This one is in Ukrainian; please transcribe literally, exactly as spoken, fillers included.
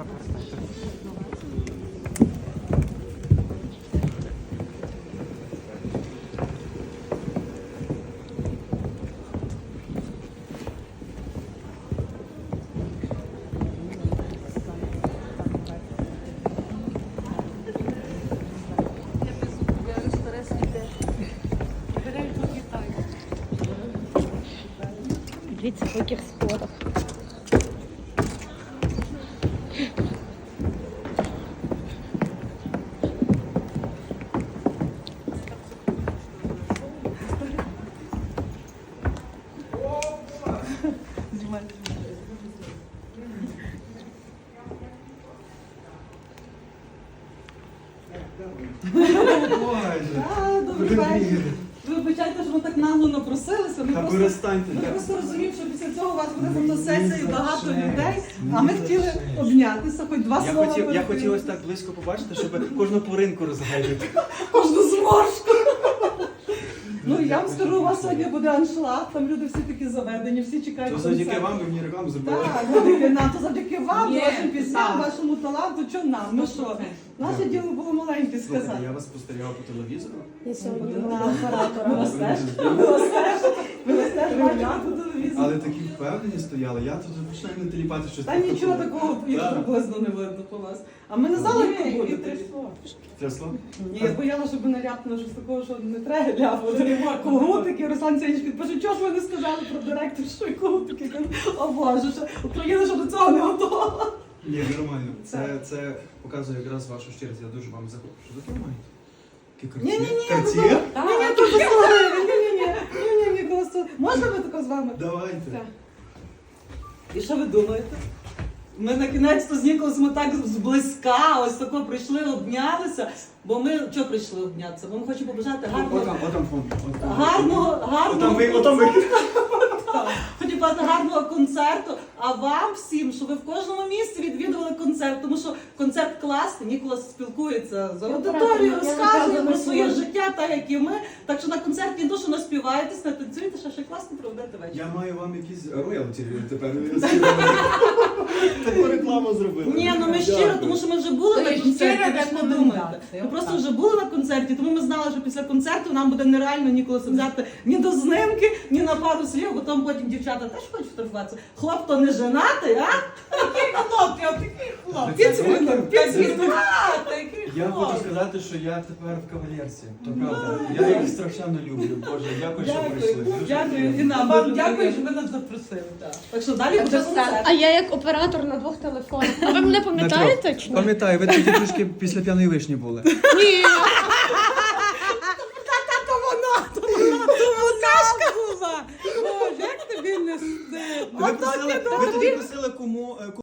Дивіться, по яких спорах. Ви вибачайте, що ви так нагло напросилися. Ми Та просто, перестаньте. ми просто розуміємо, що після цього у вас буде фотосесія і багато людей, а ми хотіли обнятися, хоч два Я слова. хотів, я перед хотів ось тим. так близько побачити, щоб кожну поринку розглядати. Кожну зморшку. Ну, я вам скажу, у вас сьогодні буде аншлаг, там люди всі такі заведені, всі чекають То завдяки концерту. вам ви мені рекламу зробили. Так, завдяки нам, то завдяки вам, Ні, вашим пісням, так. вашому таланту, що нам? Ну що, наше діло було маленьке Слухайте, сказати. я вас спостерігав по телевізору. Я сьогодні На була. оператора. Ми вас теж, ми вас теж, ми вас теж бачимо по телевізору. Але такі впевнені стояли, я тут починаю не теліпати щось. Та нічого такого і Так. приблизно не видно по вас. А ми не знали, як Ні, буде. і трясло. Трясло? Ні, я боялася, щоб не ляпнуло щось такого, що не треба ляпати. Когутики, Руслан Сенч підпише, чого ж ви не сказали про директоршу і когутики? Я кажу, о Боже, що Україна ще до цього не готова. Ні, нормально. Це, це показує якраз вашу щирість. Я дуже вам захоплю. Що таке маєте? Які Ні-ні-ні, Карт'є? Ні, ні, тут послухай, ні-ні-ні, ні-ні-ні, просто. Можна ми тако з вами? Давайте. Так. І що ви думаєте? Ми на кінець-то з Ніколас ми так зблизька, ось тако прийшли, обнялися, бо ми чого прийшли обнятися? Бо ми хочемо побажати гарного, Отам, отам фон. Отам. гарного, Отам гарного ви, отам ви. Хочу побажати гарного концерту, а вам всім, щоб ви в кожному місці відвідували концерт, тому що концерт класний, Ніколас спілкується з аудиторією, розказує про своє життя, так як і ми. Так що на концерті не то, що наспіваєтесь, не танцюєте, ще ще класно проведете вечір. Я маю вам якісь роялті тепер. Таку рекламу зробили. Ні, ну ми щиро, Дякую. тому що ми вже були То на є концерті, щира ви ж не рекомендація, думаєте. Ми просто вже були на концерті, тому ми знали, що після концерту нам буде нереально Ніколаса взяти ні до знимки, ні на пару слів, бо там потім дівчата теж хочуть фотографуватися. Хлоп то не женатий, а? Такий хлопці, отакий хлопці. Підсвіток, підсвіток. А, такий Я хочу хлопці. сказати, що я тепер в кавалерці. То правда. Я їх страшенно люблю. Боже, дякую, що прийшли. Дякую, Дуже дякую. І нам Вам дуже дякую, що приємно. ви нас запросили. Так що далі Так буде що концерт. А я як оператор на двох телефонах. А ви мене пам'ятаєте чи ні? Пам'ятаю, ви тоді трішки після п'яної вишні були. Ні. То вона, то вона, то вона була. Боже, як тобі не стидно. Ви просили, ви тоді просили кому